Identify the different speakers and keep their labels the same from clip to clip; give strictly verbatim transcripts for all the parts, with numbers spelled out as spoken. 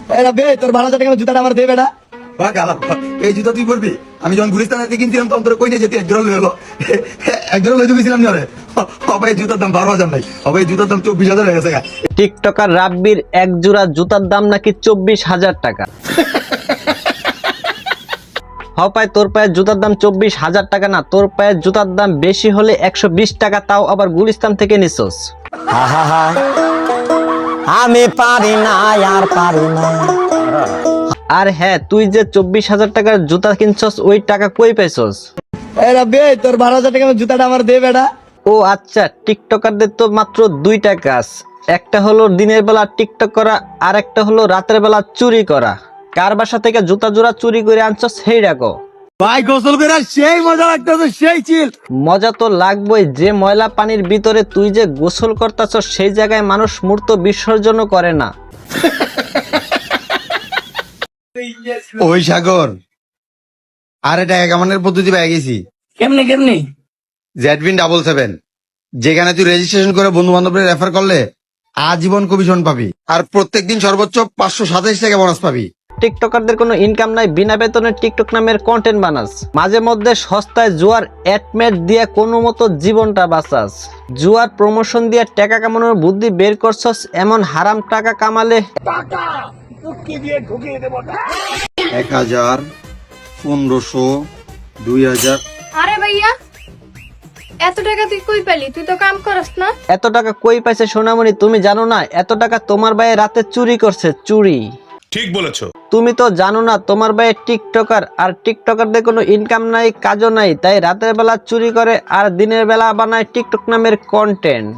Speaker 1: এরা বে তোর বারো হাজার টাকা জুতাটা আমার দে বেটা।
Speaker 2: বা গালা এই জুতা তুই পরবি? আমি যখন গুলিস্তান থেকে কিনছিলাম তখন তোর কই নিয়ে যেতে একজোড়া লই হলো একজোড়া লই দিয়েছিলাম না রে। হবে জুতার দাম বারো হাজার নাই, হবে জুতার দাম চব্বিশ হাজার হয়ে গেছে।
Speaker 3: টিকটকার রাব্বির এক জোড়া জুতার দাম নাকি চব্বিশ হাজার টাকা। হপায় তোর পায়ের জুতার দাম চব্বিশ হাজার টাকা না, তোর পায়ের জুতার দাম বেশি হলে একশো বিশ টাকা, তাও আবার গুলিস্তান থেকে নিছস।
Speaker 4: আমি পারি না আর পারি না।
Speaker 3: আর হ্যাঁ, তুই যে চব্বিশ হাজার টাকার জুতা কিনছস ওই টাকা কই পাইছস?
Speaker 1: এরা বে তোর বারো হাজার টাকা জুতাটা আমার দে বেটা।
Speaker 3: ও আচ্ছা, টিকটকারদের তো মাত্র দুইটা কাজ, একটা হলো দিনের বেলা টিকটক করা, আর একটা হলো রাতের বেলা চুরি করা। কার বাসা থেকে জুতা জোড়া চুরি করে আনছস সেই ডাকো।
Speaker 1: ভাই গোসল করে সেই মজা লাগতেছে, সেই চিল।
Speaker 3: মজা তো লাগবেই, যে ময়লা পানির ভিতরে তুই যে গোসল করতেছস সেই জায়গায় মানুষ মূর্ত বিসর্জনও করে না।
Speaker 2: ওই সাগর আর এটা একামানের পদ্ধতি পেয়ে গেছি।
Speaker 1: কেমনে কেমনে?
Speaker 2: জেডবিন ডাবল সেভেন, যেখানে তুই রেজিস্ট্রেশন করে বন্ধু বান্ধবদের রেফার করলে আজীবন কমিশন পাবি, আর প্রত্যেকদিন সর্বোচ্চ পাঁচশো সাতাইশ টাকা বোনাস পাবি।
Speaker 3: টিকটকারদের কোনো ইনকাম নাই, বিনা বেতনে টিকটক নামের কন্টেন্ট বানাস, মাঝে মধ্যে সস্তায় জুয়ার অ্যাডমেট দিয়ে কোনো মতো জীবনটা বাঁচাস, জুয়ার প্রমোশন দিয়ে টাকা কামানোর বুদ্ধি বের করছস। এমন হারাম টাকা কামালে
Speaker 2: এক হাজার, পনেরোশো, দুই হাজার।
Speaker 5: আরে ভাইয়া, এত টাকা তুই কই পেলি? তুই তো কাম করস না।
Speaker 3: এত টাকা কই পাইছে সোনামণি? তুমি জানো না এত টাকা তোমার ভাই রাতে চুরি করছে, চুরি।
Speaker 6: ঠিক বলেছো।
Speaker 3: তুমি তো জানো না তোমার ভাই টিকটকার, আর টিকটকারদের কোনো ইনকাম নাই, কাজও নাই, তাই রাতের বেলা চুরি করে আর দিনের বেলা বানায় টিকটক নামের কন্টেন্ট।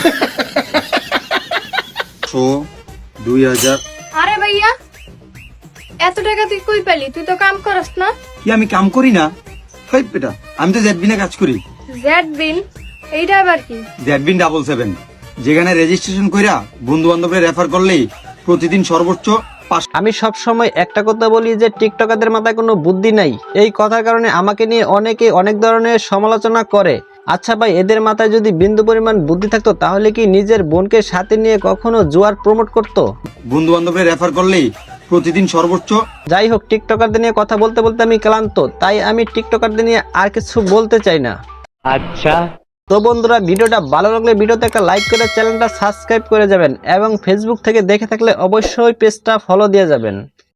Speaker 2: দুই হাজার।
Speaker 5: আরে ভাইয়া, এত টাকা তুই কই পেলি? তুই তো কাম করস না।
Speaker 2: কি আমি কাম করি না? হেই বেটা, আমি তো জেডবিনে কাজ করি।
Speaker 5: জেড বিন, এইটা আবার কি?
Speaker 2: জেডবিন ডাবল সেভেন, যেখানে রেজিস্ট্রেশন কইরা বন্ধু বান্ধবের রেফার করলেই প্রতিদিন সর্বোচ্চ পাঁচ।
Speaker 3: আমি সব সময় একটা কথা বলি যে টিকটকারদের মাথায় কোনো বুদ্ধি নাই। এই কথার কারণে আমাকে নিয়ে অনেকে অনেক ধরনের সমালোচনা করে। আচ্ছা ভাই, এদের মাথায় যদি বিন্দু পরিমাণ বুদ্ধি থাকতো তাহলে কি নিজের বোনকে সাথে নিয়ে কখনো জুয়ার প্রমোট করতো?
Speaker 2: বন্ধু বান্ধবের রেফার করলেই প্রতিদিন সর্বোচ্চ।
Speaker 3: যাই হোক, টিকটকারদের নিয়ে কথা বলতে বলতে আমি ক্লান্ত, তাই আমি টিকটকারদের নিয়ে আর কিছু বলতে চাই না।
Speaker 4: আচ্ছা
Speaker 3: তো বন্ধুরা, ভিডিওটা ভালো লাগলে ভিডিওতে একটা লাইক করে চ্যানেলটা সাবস্ক্রাইব করে যাবেন, এবং ফেসবুক থেকে দেখে থাকলে অবশ্যই পেজটা ফলো দিয়ে যাবেন।